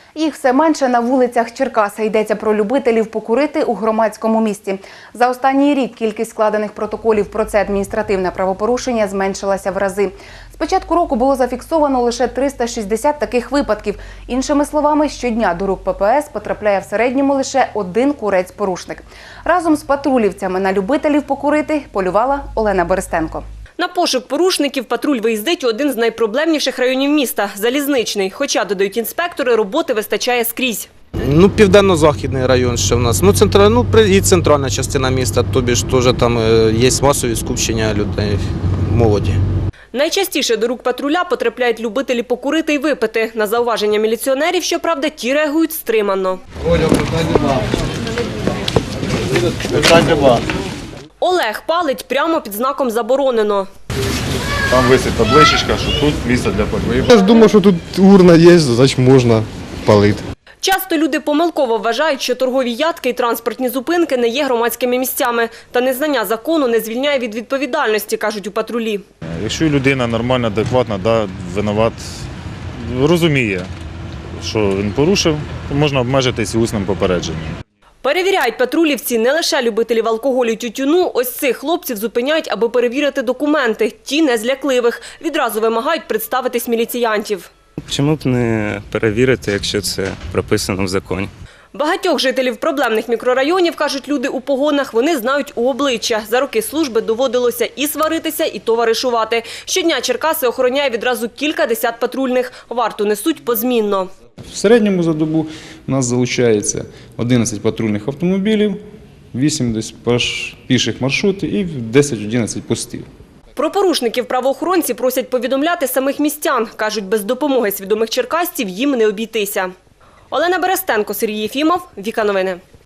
Їх все менше на вулицях Черкаса. Йдеться про любителів покурити у громадському місці. За останній рік кількість складених протоколів про це адміністративне правопорушення зменшилася в рази. З початку року було зафіксовано лише 360 таких випадків. Іншими словами, щодня до рук ППС потрапляє в середньому лише один курець-порушник. Разом з патрулівцями на любителів покурити полювала Олена Берестенко. На пошук порушників патруль виїздить у один з найпроблемніших районів міста – Залізничний. Хоча, додають інспектори, роботи вистачає скрізь. Південно-західний район ще в нас. І центральна частина міста, тобі ж теж там є масові скупчення людей, молоді. Найчастіше до рук патруля потрапляють любителі покурити і випити. На зауваження міліціонерів, щоправда, ті реагують стримано. Олег палить прямо під знаком «Заборонено». Там висить табличечка, що тут місце для пальби. Я ж думав, що тут урна є, значить можна палити. Часто люди помилково вважають, що торгові ядки і транспортні зупинки не є громадськими місцями. Та незнання закону не звільняє від відповідальності, кажуть у патрулі. Якщо людина нормальна, адекватна, винуват, розуміє, що він порушив, то можна обмежитись усним попередженням. Перевіряють патрулівці не лише любителів алкоголю і тютюну. Ось цих хлопців зупиняють, аби перевірити документи. Ті не з лякливих. Відразу вимагають представитись міліціянтів. Чому б не перевірити, якщо це прописано в законі? Багатьох жителів проблемних мікрорайонів, кажуть люди у погонах, вони знають у обличчя. За роки служби доводилося і сваритися, і товаришувати. Щодня Черкаси охороняє відразу кілька десят патрульних. Варту несуть позмінно. В середньому за добу у нас залучається 11 патрульних автомобілів, 8 десь піших маршрутів і 10-11 постів. Про порушників правоохоронці просять повідомляти самих містян. Кажуть, без допомоги свідомих черкасців їм не обійтися. Олена Берестенко, Сергій Єфімов, Віка Новини.